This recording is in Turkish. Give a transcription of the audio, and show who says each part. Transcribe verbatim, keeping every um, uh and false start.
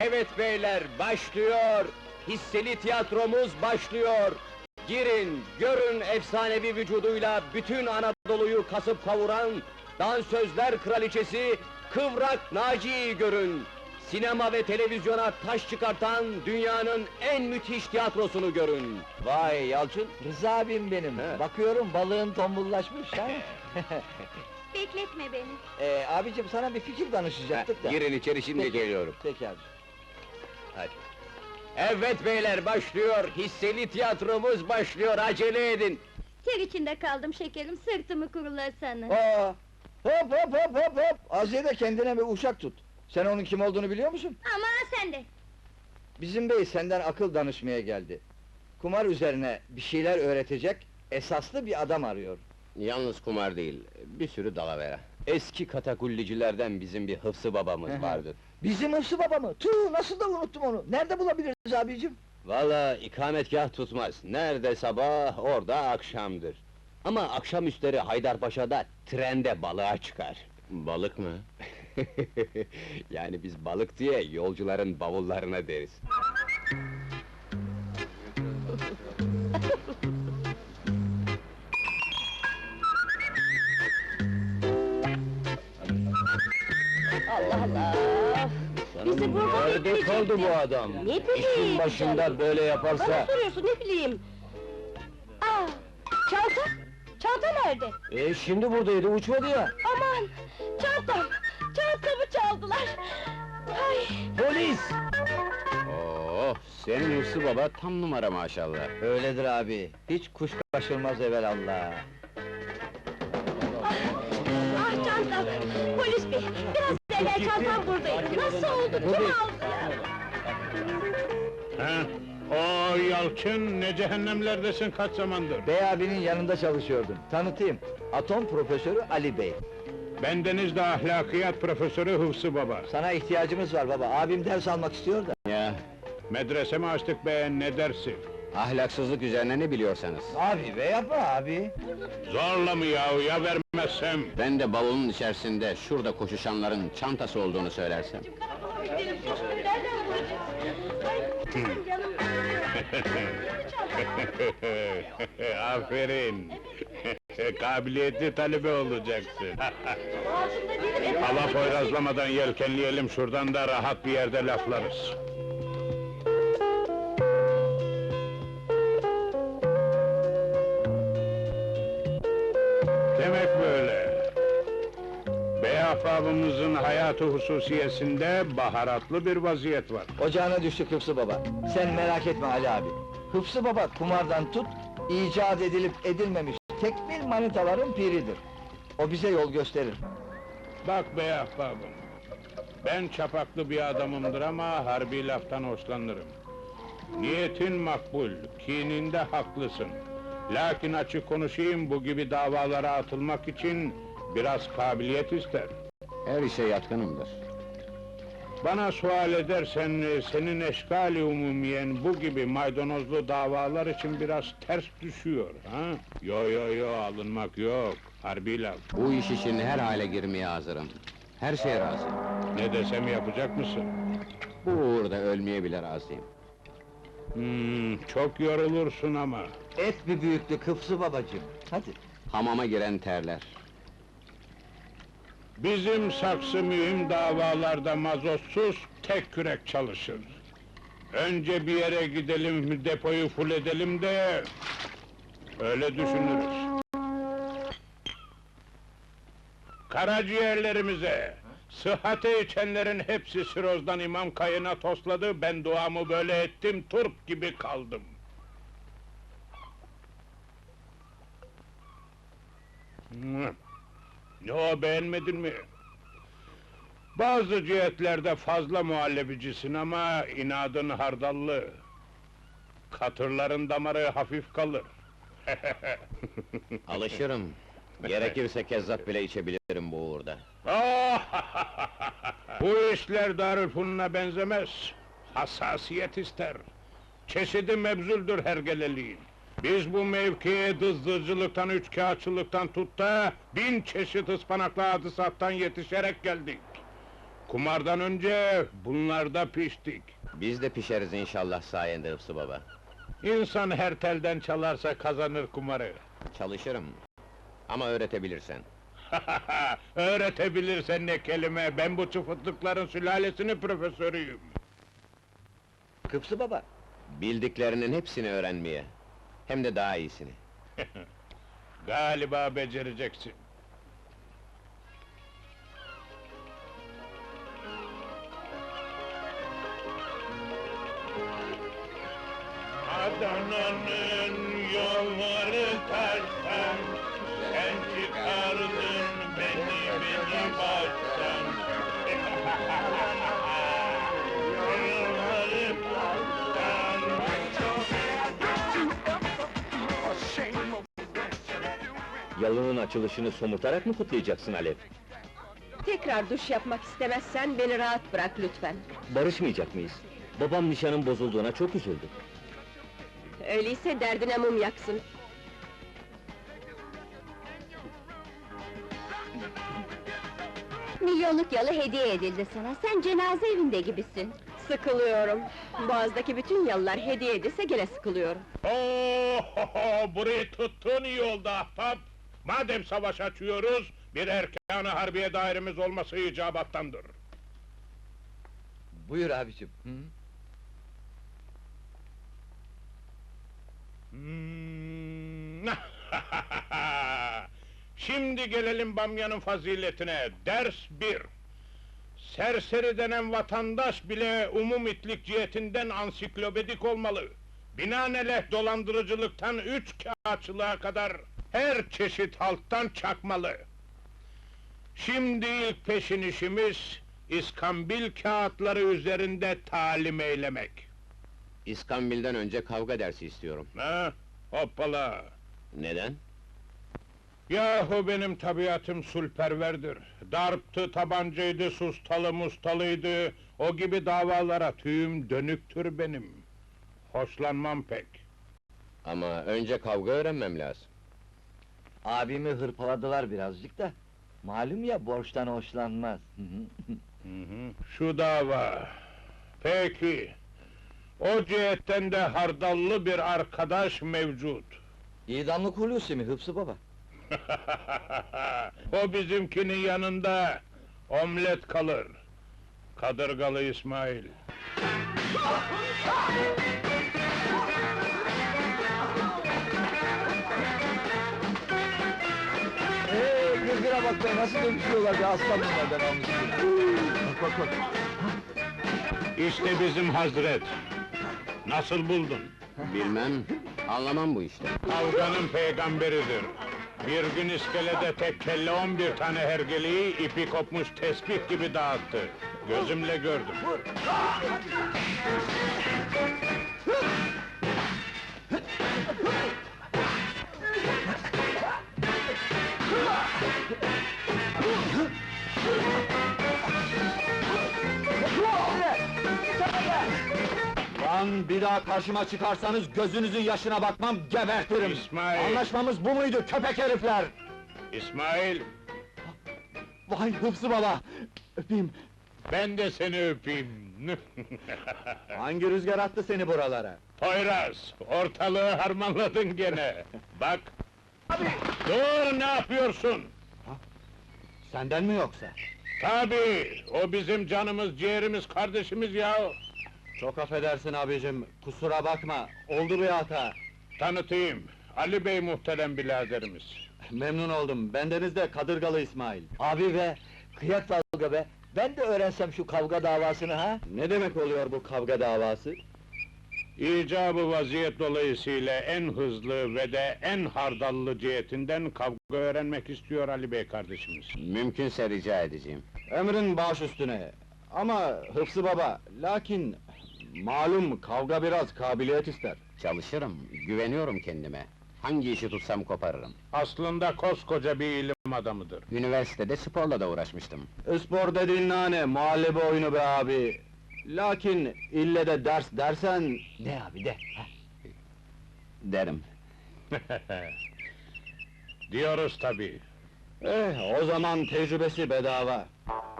Speaker 1: Evet beyler, başlıyor! Hisseli tiyatromuz başlıyor! Girin, görün efsanevi vücuduyla bütün Anadolu'yu kasıp kavuran dansözler kraliçesi Kıvrak Naciye'yi görün! Sinema ve televizyona taş çıkartan dünyanın en müthiş tiyatrosunu görün!
Speaker 2: Vay Yalçın, Rıza abim benim.
Speaker 1: He.
Speaker 2: Bakıyorum balığın tombullaşmış ha.
Speaker 3: Bekletme beni.
Speaker 2: ee, abicim sana bir fikir danışacaktık da.
Speaker 1: Girin içeri, şimdi
Speaker 2: Peki.
Speaker 1: geliyorum.
Speaker 2: Peki abi.
Speaker 1: Hadi. Evet beyler, başlıyor! Hisseli tiyatromuz başlıyor, acele edin!
Speaker 3: Ter içinde kaldım şekerim, sırtımı kurulasana.
Speaker 2: Aa, hop hop hop hop hop! Aziye de kendine bir uşak tut. Sen onun kim olduğunu biliyor musun?
Speaker 3: Ama sen de.
Speaker 2: Bizim bey senden akıl danışmaya geldi. Kumar üzerine bir şeyler öğretecek, esaslı bir adam arıyor.
Speaker 1: Yalnız kumar değil, bir sürü dalavera. Eski katakullicilerden bizim bir Hıfzı babamız
Speaker 2: Hı.
Speaker 1: vardır.
Speaker 2: Bizim Hıfzı baba mı? Tüh, nasıl da unuttum onu! Nerede bulabiliriz abicim?
Speaker 1: Valla ikametgah tutmaz. Nerede sabah, orada akşamdır. Ama akşamüstleri Haydarpaşa'da trende balığa çıkar. Balık mı? Yani biz balık diye yolcuların bavullarına deriz.
Speaker 3: Allah Allah! Bizi burada
Speaker 1: Nerede
Speaker 3: bekleyecekti.
Speaker 1: kaldı bu adam?
Speaker 3: Ne bileyim
Speaker 1: İşin başında
Speaker 3: canım.
Speaker 1: böyle
Speaker 3: Bana
Speaker 1: yaparsa...
Speaker 3: soruyorsun, ne bileyim? Aa! Çanta! Çanta nerede?
Speaker 1: E şimdi buradaydı, uçmadı ya!
Speaker 3: Aman! Çantam! Çantamı çaldılar! Ay!
Speaker 1: Polis! Oo, senin Hıfzı baba tam numara maşallah.
Speaker 2: Öyledir abi, hiç kuş kaçırmaz evelallah.
Speaker 3: Ah çantam! Polis bey! Biraz evvel çantam buradaydı. Nasıl oldu? Kim aldı ya?
Speaker 4: Ha? O Yalçın, ne cehennemlerdesin kaç zamandır?
Speaker 2: Bey abinin yanında çalışıyordum. Tanıtayım, atom profesörü Ali Bey.
Speaker 4: Bendeniz de ahlakiyat profesörü Hıfzı Baba.
Speaker 2: Sana ihtiyacımız var baba, abim ders almak istiyor da.
Speaker 1: Ya,
Speaker 4: Medrese mi açtık be, ne dersi?
Speaker 1: ahlaksızlık üzerine ne biliyorsanız.
Speaker 2: Abi be yapma abi!
Speaker 4: Zorla mı yahu, ya vermezsem?
Speaker 1: Ben de bavulun içerisinde, şurada koşuşanların çantası olduğunu söylersem.
Speaker 3: Gidelim, şimdi nereden bulacağız? Ay, canım!
Speaker 4: Aferin! Kabiliyetli talebe olacaksın.
Speaker 3: Ağzımda değilim,
Speaker 4: Hava poyrazlamadan yelkenleyelim şuradan da rahat bir yerde laflarız. Demek böyle. Bey ahbabımızın hayatı hususiyesinde baharatlı bir vaziyet var.
Speaker 2: Ocağına düştük Hıfzı baba. Sen merak etme Ali abi. Hıfzı baba kumardan tut, icat edilip edilmemiş tekmil manitaların piridir. O bize yol gösterir.
Speaker 4: Bak bey ahbabım, ben çapaklı bir adamımdır ama harbi laftan hoşlanırım. Niyetin makbul, kininde haklısın. Lakin açık konuşayım, bu gibi davalara atılmak için biraz kabiliyet ister.
Speaker 1: Her işe yatkınımdır.
Speaker 4: Bana sual edersen, senin eşkali umumiyen bu gibi maydanozlu davalar için biraz ters düşüyor, ha? Yo yo yo, alınmak yok, harbi laf.
Speaker 1: Bu iş için her hale girmeye hazırım. Her şeye razıyım.
Speaker 4: Ne desem yapacak mısın?
Speaker 1: Bu uğurda ölmeye bile razıyım.
Speaker 4: Hmm, çok yorulursun ama.
Speaker 2: Et bir büyüklük Hıfzı babacığım. Hadi.
Speaker 1: Hamama giren terler.
Speaker 4: Bizim saksı mühim davalarda mazotsuz tek kürek çalışır. Önce bir yere gidelim, depoyu full edelim de... öyle düşünürüz. Karaciğerlerimize, sıhhate içenlerin hepsi sirozdan imam kayına tosladı, ben duamı böyle ettim, turp gibi kaldım. Hı. Ne o, beğenmedin mi? Bazı cihetlerde fazla muhallebicisin ama inadın hardallı. Katırların damarı hafif kalır.
Speaker 1: Alışırım. Gerekirse kezzap bile içebilirim bu uğurda.
Speaker 4: Bu işler Darülfünun'a benzemez. Hassasiyet ister. Çeşidi mebzuldür hergeleliğin. Biz bu mevkiye dızdızcılıktan, üçkağıtçılıktan tut da... bin çeşit ıspanaklı hadisattan yetişerek geldik. kumardan önce bunlarda piştik.
Speaker 1: Biz de pişeriz inşallah sayende Hıfzı baba.
Speaker 4: İnsan her telden çalarsa kazanır kumarı.
Speaker 1: Çalışırım. Ama öğretebilirsen.
Speaker 4: Öğretebilirsen ne kelime, ben bu çıfıtlıkların sülalesinin profesörüyüm.
Speaker 2: Hıfzı baba,
Speaker 1: Bildiklerinin hepsini öğrenmeye. Hem de daha iyisini.
Speaker 4: Galiba becereceksin. Adana'nın yolları taştan, sen çıkardın beni beni baştan. Yolları taştan.
Speaker 1: Yalının açılışını somurtarak mı kutlayacaksın Alev?
Speaker 3: Tekrar duş yapmak istemezsen beni rahat bırak lütfen.
Speaker 1: Barışmayacak mıyız? Babam nişanın bozulduğuna çok üzüldü.
Speaker 3: Öyleyse derdine mum yaksın.
Speaker 5: Milyonluk yalı hediye edildi sana, sen cenaze evinde gibisin.
Speaker 3: Sıkılıyorum. Boğazdaki bütün yalılar hediye edilse gene sıkılıyorum.
Speaker 4: Ohoho, burayı tuttun iyi oldu ahbap! Madem savaş açıyoruz, bir erkan-ı harbiye dairemiz olması icabattandır.
Speaker 2: buyur abicim. Hı?
Speaker 4: Hmm. Şimdi gelelim bamyanın faziletine, ders bir! Serseri denen vatandaş bile umum itlik cihetinden ansiklopedik olmalı. Binaenaleyh dolandırıcılıktan üç kağıtçılığa kadar her çeşit halktan çakmalı. Şimdi ilk peşin işimiz, iskambil kağıtları üzerinde talim eylemek.
Speaker 1: İskambil'den önce kavga dersi istiyorum.
Speaker 4: Ha? Hoppala!
Speaker 1: Neden?
Speaker 4: Yahu benim tabiatım sulperverdir. Darptı, tabancaydı, sustalı mustalıydı. O gibi davalara tüyüm dönüktür benim. Hoşlanmam pek.
Speaker 1: Ama önce kavga öğrenmem lazım.
Speaker 2: Abimi hırpaladılar birazcık da, malum ya borçtan hoşlanmaz. Hı hı.
Speaker 4: Hı hı, şu dava. Peki. O cihetten de hardallı bir arkadaş mevcut.
Speaker 2: İdamlık Hulusi mi Hıfzı baba?
Speaker 4: O bizimkinin yanında omlet kalır. Kadırgalı İsmail.
Speaker 2: Eee, gırgıra bak be, nasıl dövüşüyorlar be, aslan bunlar ben almışım. Bak bak bak.
Speaker 4: İşte bizim Hazret. Nasıl buldun?
Speaker 1: Bilmem, anlamam bu işte.
Speaker 4: Kavganın peygamberidir. Bir gün iskelede tek kelle on bir tane hergeleyi ipi kopmuş tesbih gibi dağıttı. Gözümle gördüm.
Speaker 2: Lan bir daha karşıma çıkarsanız gözünüzün yaşına bakmam, gebertirim!
Speaker 4: İsmail!
Speaker 2: Anlaşmamız bu muydu köpek herifler?
Speaker 4: İsmail,
Speaker 2: Vay Hıfzı baba! Öpeyim!
Speaker 4: ben de seni öpeyim.
Speaker 2: Hangi rüzgar attı seni buralara?
Speaker 4: Poyraz, ortalığı harmanladın gene. Bak! Dur, ne yapıyorsun?
Speaker 2: Senden mi yoksa?
Speaker 4: Tabii, o bizim canımız, ciğerimiz, kardeşimiz ya.
Speaker 2: Çok affedersin abicim, kusura bakma, oldu bir hata.
Speaker 4: Tanıtayım, Ali Bey muhterem biraderimiz.
Speaker 2: Memnun oldum, bendeniz de Kadırgalı İsmail. Abi be, kıyak dalga be, ben de öğrensem şu kavga davasını ha? Ne demek oluyor bu kavga davası?
Speaker 4: İcabı vaziyet dolayısıyla en hızlı ve de en hardallı cihetinden kavga öğrenmek istiyor Ali Bey kardeşimiz.
Speaker 1: Mümkünse rica edeceğim.
Speaker 2: Emrin baş üstüne. Ama Hıfzı baba, lakin... Malum kavga biraz kabiliyet ister.
Speaker 1: Çalışırım, güveniyorum kendime. Hangi işi tutsam koparırım.
Speaker 4: Aslında koskoca bir ilim adamıdır.
Speaker 1: Üniversitede sporla da uğraşmıştım.
Speaker 2: Spor dediğin nane, muhallebi oyunu be abi. Lakin ille de ders dersen... De abi de.
Speaker 1: Derim.
Speaker 4: Diyoruz tabii.
Speaker 2: Eh, o zaman tecrübesi bedava.